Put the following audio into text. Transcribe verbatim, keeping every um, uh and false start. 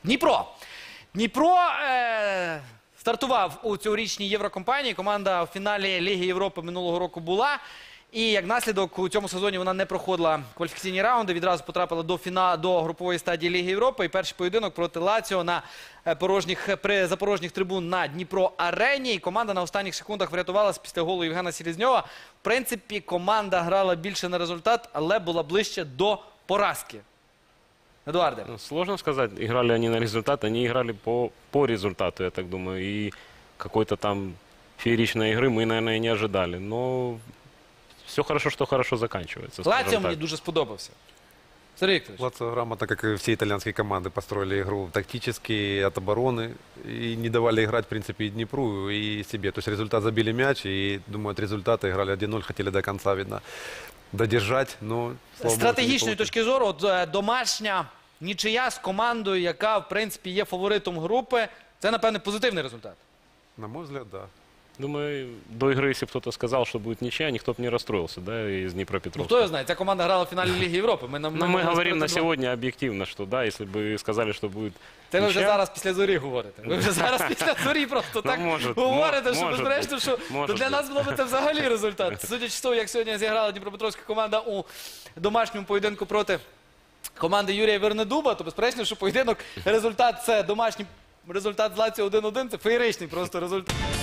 Дніпро. Дніпро е, стартував у цьогорічній Єврокомпанії. Команда в фіналі Ліги Європи минулого року була. І як наслідок у цьому сезоні вона не проходила кваліфікаційні раунди, відразу потрапила до, фіна... до групової стадії Ліги Європи. І перший поєдинок проти Лаціо на порожніх... при запорожніх трибун на Дніпро-арені. І команда на останніх секундах врятувалась після голу Євгена Селезньова. В принципі, команда грала більше на результат, але була ближче до поразки. Эдуарде. Ну, сложно сказать, играли они на результат, они играли по, по результату, я так думаю. И какой-то там фееричной игры мы, наверное, и не ожидали. Но все хорошо, что хорошо заканчивается. Лаціо мені дуже сподобався. Сергій Вікторович. Лацио грамотно, как и все итальянские команды, построили игру тактически, от обороны. И не давали играть, в принципе, и Днепру, и себе. То есть результат забили мяч, и, думаю, от результата играли один ноль, хотели до конца, видно, додержать. Но, З стратегічної точки зору, от, е, домашня нічия з командою, яка, в принципі, є фаворитом групи, це, напевне, позитивний результат. На мой взгляд, да. Думаю, до игры, если бы кто-то сказал, что будет ничья, никто бы не расстроился, да, из Ну, Днепропетровска. хто його знає, ця команда грала в фіналі Ліги Європи. Ми, нам- Но ми мы могли говорим на сказати, сегодня объективно, что да, если бы сказали, что будет Це ви вже ничья, зараз після зорі говорите. Ви вже зараз після зорі просто так може, говорите, мо- що може безперечно, що може то для бути. нас було б це взагалі результат. Судячи з того, як сьогодні зіграла Дніпропетровська команда у домашньому поєдинку проти команди Юрія Вернедуба, то безперечно, що поєдинок, результат це домашній результат з Лаціо один один, це феєричний просто результат.